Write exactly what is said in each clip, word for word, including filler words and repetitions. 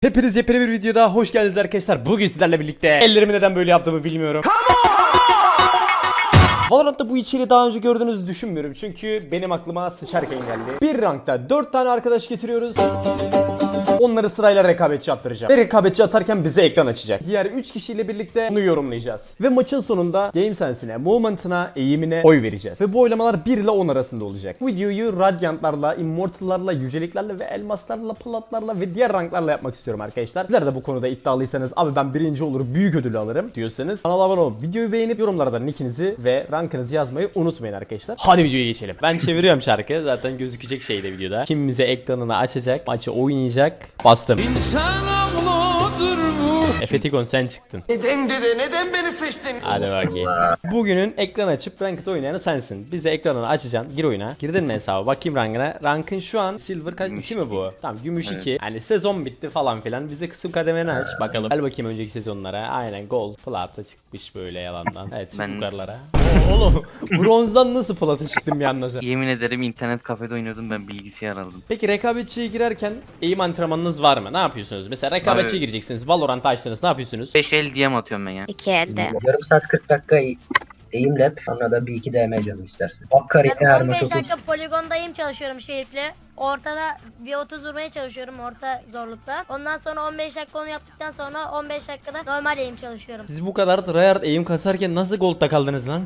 Hepiniz yepyeni bir videoda hoş geldiniz arkadaşlar. Bugün sizlerle birlikte ellerimi neden böyle yaptığımı bilmiyorum. Valorant'ta bu içeriği daha önce gördüğünüzü düşünmüyorum. Çünkü benim aklıma sıçarken geldi. Bir rankta dört tane arkadaş getiriyoruz. Onları sırayla rekabetçi attıracağım. Ve rekabetçi atarken bize ekran açacak. Diğer üç kişiyle birlikte bunu yorumlayacağız. Ve maçın sonunda game sense'ine, movement'ına, eğimine oy vereceğiz. Ve bu oylamalar bir ile on arasında olacak. Bu videoyu Radiant'larla, Immortal'larla, Yüceliklerle ve Elmaslarla, Platlarla ve diğer ranklarla yapmak istiyorum arkadaşlar. Sizler de bu konuda iddialıysanız, abi ben birinci olur, büyük ödülü alırım diyorsanız kanala abone olup videoyu beğenip yorumlarda nickinizi ve rankınızı yazmayı unutmayın arkadaşlar. Hadi videoya geçelim. Ben çeviriyorum şarkı. Zaten gözükecek şey de videoda. Kim bize ekranını açacak, maçı oynayacak. Bastım. Efetikon sen çıktın. Neden dede neden beni seçtin? Hadi bakayım. Bugünün ekran açıp ranked oynayanı sensin. Bize ekranını açacaksın. Gir oyuna. Girdin mi hesaba? Bakayım rankına. Rankın şu an silver kaç? iki mi bu? Tamam gümüş iki. Evet. Yani sezon bitti falan filan. Bize kısım kademeni aç. Bakalım. Gel bakayım önceki sezonlara. Aynen gold. Plata çıkmış böyle yalandan. Evet ben... yukarılara. Oo, oğlum bronzdan nasıl plata çıktım bir anda sen? Yemin ederim internet kafede oynuyordum, ben bilgisayar aldım. Peki rekabetçiye girerken eğim antrenmanınız var mı? Ne yapıyorsunuz? Mesela rekabetçiye gireceksiniz. Valorant açtınız. Ne yapıyorsunuz? beş el D M atıyorum ben ya. İki elde. Yarım saat kırk dakika eğim lap, sonra da bir iki D M canım istersen. Bak kariyeri her Ben maç on beş otuz. dakika poligondayım, çalışıyorum Şerif'le. Ortada bir otuz vurmaya çalışıyorum orta zorlukta. Ondan sonra on beş dakika onu yaptıktan sonra on beş dakikada normal eğim çalışıyorum. Siz bu kadar tryhard eğim kasarken nasıl gold'da kaldınız lan?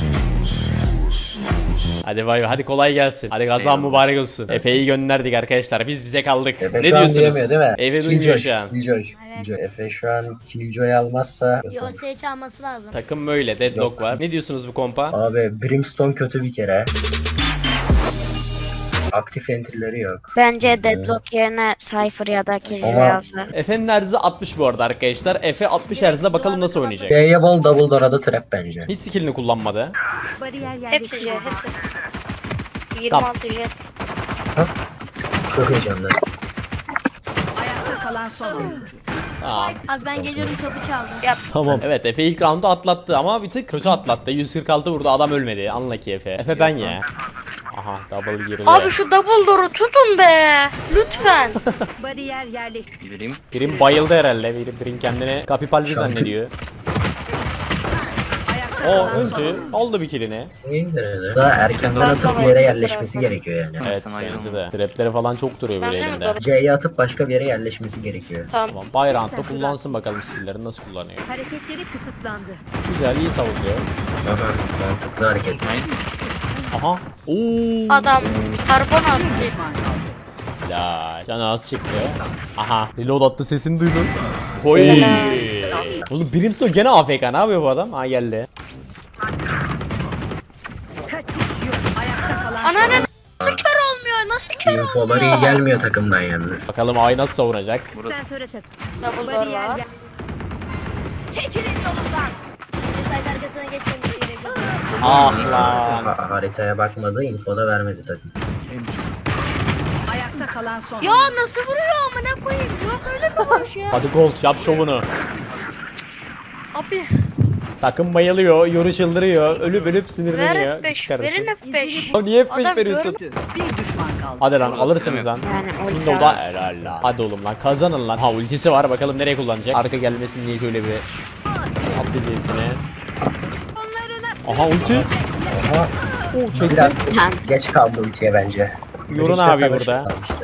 Hadi bay bay, hadi kolay gelsin. Hadi kazan mübarek olsun. Efe'yi gönderdik arkadaşlar. Biz bize kaldık. Efe Ne şu an diyorsunuz? diyemiyor değil mi? Efe Killjoy, duymuyor şu an. Killjoy, Evet. Killjoy. Efe şu an Killjoy almazsa... Yosa'yı çalması lazım. Takım böyle, deadlock Yok. var. Ne diyorsunuz bu kompa? Abi Brimstone kötü bir kere. Aktif entry'leri yok. Bence Deadlock yerine Cypher ya da Killjoy Ama- yazdı. Efe'nin herzi altmış bu arada arkadaşlar. Efe altmış herzle bakalım nasıl oynayacak. B'ye bol double door'a trap bence. Hiç skillini kullanmadı. Hepsi jet, hepsi. yirmi altı jet. Çok heyecanlı. Tamam. Abi ben geliyorum, kapı çaldı. Tamam. Evet Efe ilk roundu atlattı ama bir tık kötü atlattı. yüz kırk altı vurdu, adam ölmedi. Unlucky Efe. Efe ben ya. Aha double girdi. Abi şu double door'u tutun be. Lütfen. Bariyer yerleşti. Bileyim. Birim bayıldı herhalde. Birim, birim kendini kapipalvi zannediyor. O öldü. Aldı bir killini. Daha erkenden atıp bir yere yerleşmesi gerekiyor yani. Evet Sen bence ayrılma. de. Trapleri falan çok duruyor böyle Ben de mi elinde. doğru? C'ye atıp başka bir yere yerleşmesi gerekiyor. Tamam. Tamam. Bayrağında kullansın bakalım skill'lerini nasıl kullanıyor. Hareketleri kısıtlandı. Güzel, iyi savunuyor. Aha, mantıklı hareket. Aha. Oo. Adam karbon attı. Ya canı az çıktı. Aha. Reload attı, sesini duydun. Oy. Oğlum Brimstone gene A F K, ne yapıyor bu adam? Ha geldi. Kaçış yok. Ayakta kalan Ananı nasıl kör olmuyor? Nasıl kör Infoları iyi olmuyor? gelmiyor takımdan yalnız. Bakalım Ay nasıl savunacak. sensöre tak. Double door Bariyer var. yer. Çekilin yolundan. Side arkasına geçmemiz gerekiyor. Ah lan. Ha- haritaya bakmadı, info da vermedi takım. Ayakta kalan son. Ya nasıl vuruyor amına koyayım? Yok öyle mi vuruş ya? Hadi Gold yap şovunu. Abi Takım bayılıyor, yoru çıldırıyor, ölüp ölüp ver sinirleniyor. F beş. Kardeşim. Verin F beş. Ya niye F beş Adam veriyorsun? Bir düşman kaldı. Hadi lan alırsınız lan. Yani o Şimdi o da helal lan. Hadi oğlum lan kazanın lan. Ha ultisi var, bakalım nereye kullanacak. Arka gelmesin diye şöyle bir at dizisine. Aha ulti. Aha. Oo çekti. Biraz geç kaldı ultiye bence. Yorun Girişte abi savaşı burada. kalmıştı.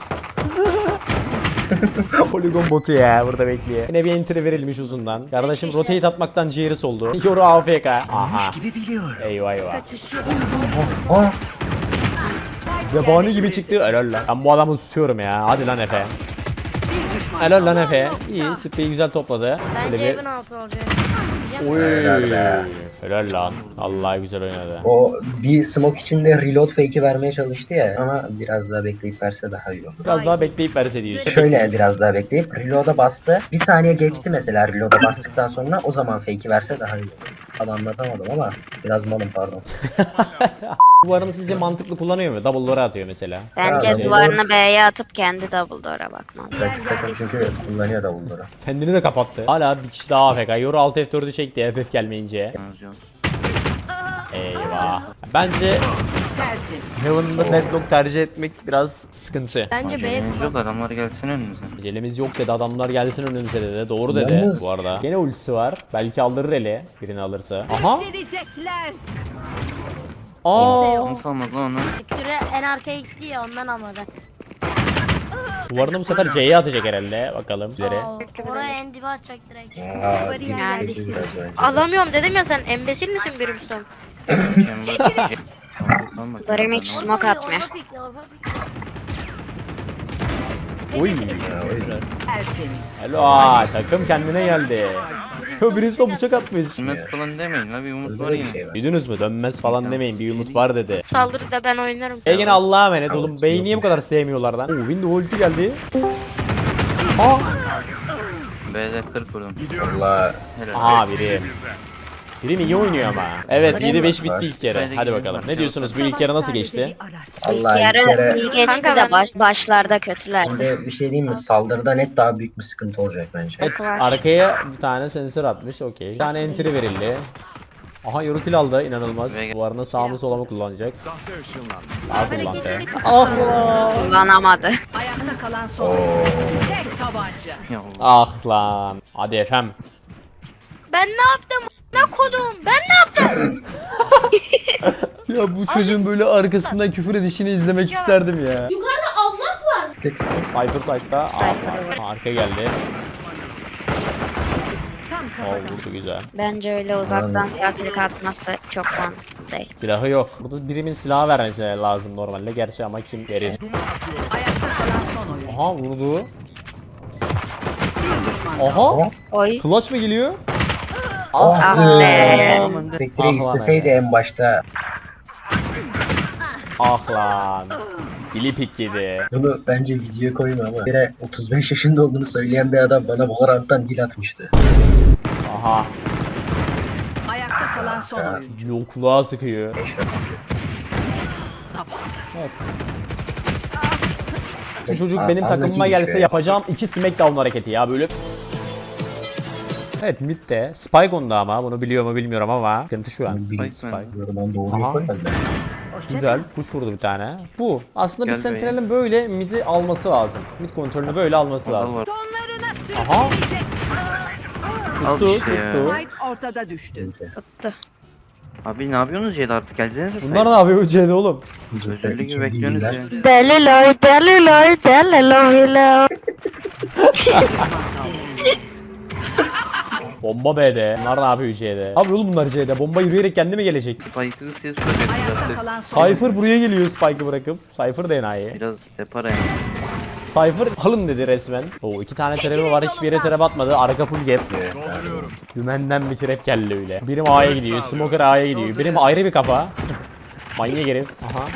Polygon botu ya burada bekliyor. Yine bir entry verilmiş uzundan. Kardeşim rotate atmaktan ciğeri soldu. Yoru A F K. Aha. Eyvah eyvah. Kaçış yok. Aa, Zebani gibi çıktı. Helal lan. Ben bu adamı tutuyorum ya. Hadi lan Efe. Bir düşman Helal lan Efe. İyi. Spreyi güzel topladı. Bence Böyle evin altı olacak. Oy. Helal be. Helal lan. Allah güzel oynadı. o bir smoke içinde reload fake'i vermeye çalıştı ya, ama biraz daha bekleyip verse daha iyi olur. Biraz daha bekleyip verse diyorsun. Şöyle biraz daha bekleyip reload'a bastı. Bir saniye geçti mesela reload'a bastıktan sonra, o zaman fake'i verse daha iyi olur. Tam anlatamadım ama biraz malım, pardon. Duvarını sizce mantıklı kullanıyor mu? Double door'a atıyor mesela. Bence Ya, duvarını B'ye atıp kendi double door'a bakmalı. Rakip takım çünkü kullanıyor da bunları. Kendini de kapattı. Hala bir kişi daha A F K. Yoru alt F dördü çekti F F gelmeyince. Yalnız yok. Eyvah. Bence Tersin. Heaven'da deadlock tercih etmek biraz sıkıntı. Bence B Acelemiz yok, kullan. adamlar gelsin önümüze. Elimiz yok dedi, adamlar gelsin önümüze dedi. Doğru dedi Yalnız- bu arada. Gene ultisi var. Belki aldırır ele birini alırsa. Aha. Verecekler. Aa. Nasıl almaz lan onu? Küre en arkaya gitti ya ondan almadı. Duvarını bu sefer C'ye atacak herhalde. Bakalım. İleri. Aa, oraya en dibe atacak direkt. Aa, Bariyer kötü yerleştirildi. biraz bence. Alamıyorum dedim ya, sen embesil misin Brimstone? Darem hiç smoke atmıyor. Orba pikle, orba pikle. Oy. Tertemiz. Hello. Aa, takım kendine geldi. Ya Brimstone bıçak atmış. Dönmez falan demeyin la, bir umut var Böyle bir yine. şey var. Duydunuz mu? Dönmez falan demeyin. Bir umut var dedi. Saldırıda ben oynarım. E gene Allah'a emanet oğlum. Bey'i niye bu kadar sevmiyorlar lan? Oo, Window ulti geldi. Aa. B'de kırk vurdum. Valla Helal. Aha biri. Biri iyi oynuyor ama. Evet yedi beş var. bitti ilk yarı. Hadi bakalım. Ne diyorsunuz? Bu ilk yarı nasıl geçti? Araç. Allah İlk bir yarı kere iyi geçti Kanka ben- de baş, başlarda kötülerdi. şimdi bir şey diyeyim mi? Saldırıda net daha büyük bir sıkıntı olacak bence. Evet, arkaya bir tane sensör atmış. Okey. Bir tane entry verildi. Aha Yorutil aldı. İnanılmaz. Ve- Duvarına sağ mı sola mı kullanacak? Sağ kullandı. Hareketleri Ah. Kullanamadı. Ayakta kalan son. Oo. Tek tabanca. Ya Allah. Ah lan. Hadi efem. Ben ne yaptım? Ne kodum? Ben ne yaptım? Ya bu çocuğun böyle arkasından küfür edişini izlemek isterdim ya. Yukarıda Allah var. Viper side'da. Ah, arka geldi. Tam Oh, kafadan. vurdu güzel. Bence öyle uzaktan silah atması çok mantıklı değil. Silahı yok. Burada birimin silahı vermesi lazım normalde. Gerçi ama kim verir? Ayakta kalan son oyun. Aha vurdu. Bir düşman. Aha. Oy. Clutch mı geliyor? Ah Ah be. Spectre Ah lan isteseydi hele. en başta Ah lan. Dili pik yedi. bunu bence videoya koyma ama bir kere otuz beş yaşında olduğunu söyleyen bir adam bana Valorant'tan dil atmıştı. Aha. Ayakta kalan son oyun. Yol kulağa sıkıyor. Sabah. Şu çocuk Aa, benim takımıma anlacıymış gelse be. yapacağım iki smackdown hareketi ya böyle. Evet midde. Spike onda ama bunu biliyor mu bilmiyorum ama. Sıkıntı şu an. Bilmiyorum, Spike ben doğruyu Aha. koymadım. Güzel. Push vurdu bir tane. Bu. Aslında bir Gel be. Sentinel'in böyle midi alması lazım. Mid kontrolünü böyle alması Adam lazım. var. Sonlarına Aha. sürükleyecek. Al Tuttu işte ya. tuttu. Spike ortada düştü. Tuttu. Abi ne yapıyorsunuz C'de artık, gelsenize. Bunlar ne yapıyor bu C'de oğlum? Özürlü gibi İkiz bekliyorsunuz değiller. ya. Deliloy, deliloy, deliloy. Bomba B'de. Bunlar ne yapıyor C'de? Abi oğlum bunlar C'de. Bomba yürüyerek kendi mi gelecek? Spike'ı siz Ayakta şuracaksınız kalan son oyun. Cypher buraya geliyor Spike'ı bırakıp. Cypher da enayi. Biraz depara yani. Cypher alın dedi resmen. Oo iki tane trap'i var, hiçbir yere trap atmadı. Arka full gap. Dümenden bir trap geldi öyle. Birim A'ya gidiyor, Smoker A'ya gidiyor. Birim ayrı bir kafa. Manyak herif. Aha.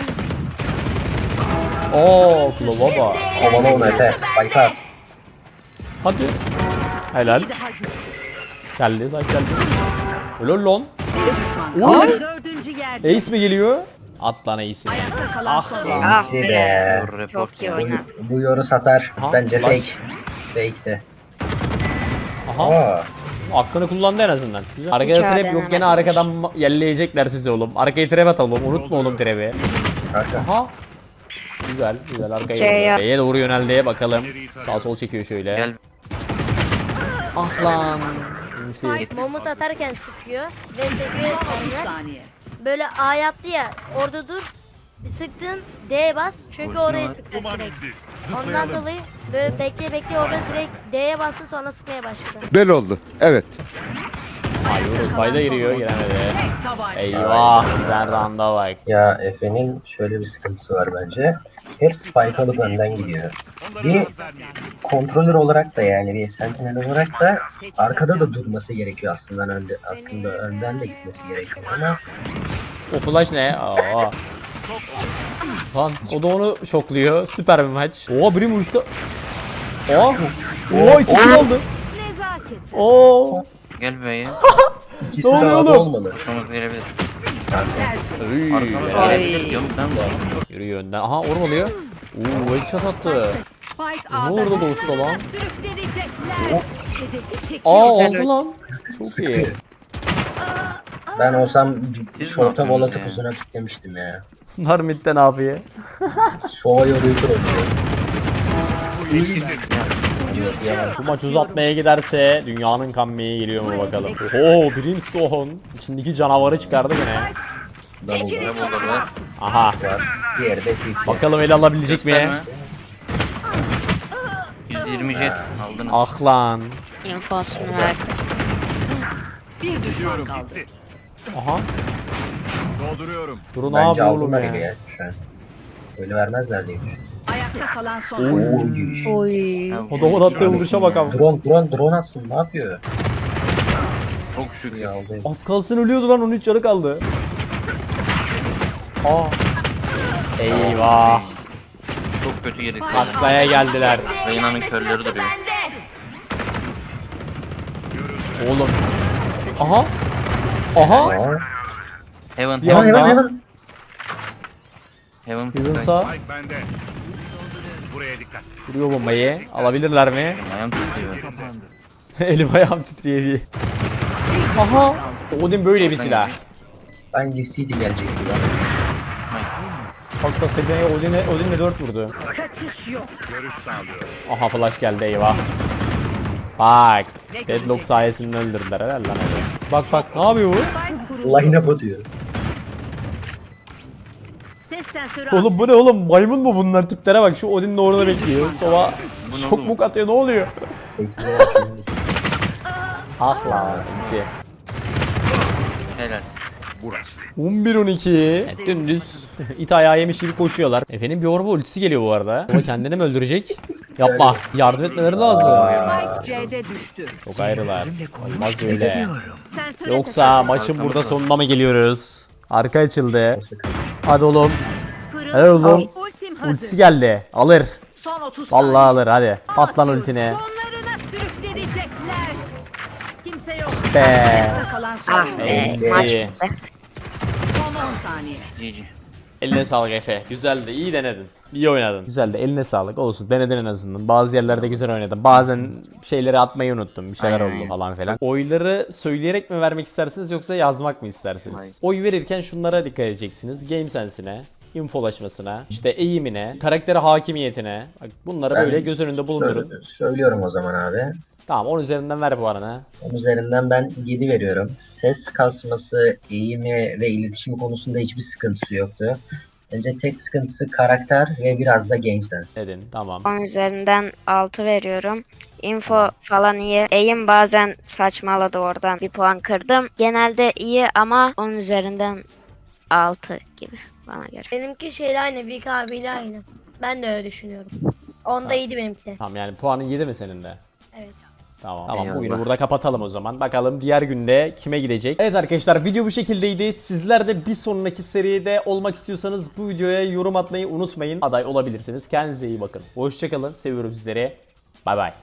Oo, Klova bak. Havalı onu Efe. Spike at. Hadi. Helal. Geldi, zaten geldi. Lol lol. Bir düşman. Oy. Dördüncü yerde. Ace mi geliyor? At lan Ace'i. Ayakta kalan son oyun. Ah İyisi be. be. Doğru report Çok iyi ya. oynadı. Bu yoru satar. Aha, Bence lan. fake. Fake'ti. Aha. Aa. Aklını kullandı en azından. Güzel. Arkada Hiç trap yok, öğrenememiş. gene arkadan ma- yelleyecekler sizi oğlum. Arkaya trap atalım, unutma oğlum trap'i. Arka. Aha. Güzel, güzel arkaya. C'ye. doğru. B'ye doğru yöneldi bakalım. Sağ sol çekiyor şöyle. Gel. Ah lan. İnti. Momut atarken sıkıyor. Ve seviyor otuz kendine. saniye. Böyle A yaptı ya. Orada dur. Bir sıktın D'ye bas. Çünkü Ulti oraya var. sıktı direkt. Ondan dolayı böyle bekle bekle orada direkt D'ye bastı sonra sıkmaya başladı. Bel oldu. Evet. Hayır, sayda giriyor, giremedi. Tek tabanca. Eyvah, sen randa bak. Ya Efe'nin şöyle bir sıkıntısı var bence. Hep spike alıp önden gidiyor. Bir kontrolör olarak da yani bir sentinel olarak da arkada da durması gerekiyor aslında önde, aslında önden de gitmesi gerekiyor ama O flash ne? Aa. Lan o da onu şokluyor. Süper bir maç. Oo birim uçtu. Oo. Oo iki kill aldı. Nezaket. Oo. Gel B'ye. ikisi Ne de oluyor A'da oğlum? olmalı. Kuşamız gelebilir. Üy, Arkamda helal. gelebilir diyorum ben de. Yürüyor önden. Aha ormalıyor. Oo headshot attı. Spike Ne A'da. orada dostu lan? Sürükleyecekler. Hedefi çekiyor. Aa Güzel aldı lan. Çok iyi. Sıktı. Ben olsam bir Siz şorta ne vol yapıyorsunuz atıp ya? uzuna piklemiştim ya. Bunlar midde ne yapıyor? Soğa yoruyordur onu. Bu maç uzatmaya giderse dünyanın kammeyi geliyor mu bakalım. Oo, Brimstone içindeki canavarı çıkardı gene. Double Ne buldu be? Aha. var. Diğeri de Swift. Bakalım ele alabilecek mi? Gösterme. yüz yirmi jet aldınız. Ah lan. infosunu verdi. Bir düşman kaldı. Aha. Dolduruyorum. Duru ne Bence yapıyor oğlum aldılar ya? eli ya şu an. Öyle vermezler diye düşünüyorum. Ayakta kalan son. Oy. Oy. Adamın attığı vuruşa bakalım. Drone drone drone atsın ne yapıyor? Çok şükür. Ya aldı. Az kalsın ölüyordu lan, on üç canı kaldı. Aa. Eyvah. Çok kötü yedik. Taklaya geldiler. Reyna'nın körleri duruyor. Oğlum. Aha. Aha. Aa. Heaven. Bir Hemen anda- hemen hemen. Heaven. Bizim sağ Spike bende. Buraya dikkat. vuruyor bombayı. Alabilirler mi? Ayağım titriyor. Elim ayağım titriyor diye. Aha. Odin böyle bir silah. Ben City gelecek gibi. Bak bak Sezen'e Odin'e Odin'le dört vurdu. Kaçış yok. Görüş sağlıyorum. Aha flash geldi, eyvah. Bak. Deadlock sayesinde öldürdüler herhalde lan öyle. Bak bak ne yapıyor bu? Spike kuruldu. Line up atıyor. Ses sensörü Oğlum bu ne oğlum? Maymun mu bunlar? Tiplere bak, şu Odin'in orada bekliyor. Sova Bu ne şok oğlum? muk atıyor, ne oluyor? Tekniğe atıyor. Ah lan. iki. Helal. Burası. on bir on iki. Dümdüz it ayağı yemiş gibi koşuyorlar. Efendim bir orba ultisi geliyor bu arada. O kendini mi öldürecek? Yapma. Yardım etmeleri lazım. Spike C'de düştü. Çok ayrılar. Olmaz böyle. Sensöre Yoksa maçın burada sonuna mı geliyoruz? Arka açıldı. Sakın. Hadi oğlum. Pırıl. Hadi oğlum. Ultim hazır. Ultisi geldi. Alır. Son otuz Vallahi saniye. alır hadi. Patlan Atıyor. ultine. Sonlarına sürüklenecekler. Kimse yok. Be. Ayakta kalan son. Ah be. Enti. Maç bitti. Son on saniye. G G. Eline sağlık Efe. Güzeldi. İyi denedin. İyi oynadın. Güzeldi. Eline sağlık. Olsun. Denedin en azından. Bazı yerlerde güzel oynadın. Bazen şeyleri atmayı unuttum. Bir şeyler Aynen. oldu falan filan. Oyları söyleyerek mi vermek istersiniz yoksa yazmak mı istersiniz? Aynen. Oy verirken şunlara dikkat edeceksiniz. Game sense'ine, infolaşmasına, işte eğimine, karaktere hakimiyetine. Bak bunları Ben böyle göz önünde bulundurun. söyle- Söylüyorum o zaman abi. Tamam, on üzerinden ver bu arana. Onun üzerinden ben yedi veriyorum. Ses kasması, eğimi ve iletişimi konusunda hiçbir sıkıntısı yoktu. Bence tek sıkıntısı karakter ve biraz da game sense. Dedin. Tamam. on üzerinden altı veriyorum. Info falan iyi. Eğim bazen saçmaladı, oradan bir puan kırdım. Genelde iyi ama on üzerinden altı gibi bana göre. Benimki şeyle aynı. Vik abiyle aynı. Ben de öyle düşünüyorum. Onda iyiydi benimki. Tamam, yani puanın yedi mi senin de? Evet. Tamam. Tamam, Eyvallah. bugünü burada kapatalım o zaman. Bakalım diğer günde kime gidecek. Evet arkadaşlar, video bu şekildeydi. Sizler de bir sonraki seride olmak istiyorsanız bu videoya yorum atmayı unutmayın. Aday olabilirsiniz. Kendinize iyi bakın. Hoşçakalın. Seviyorum sizleri. Bay bay.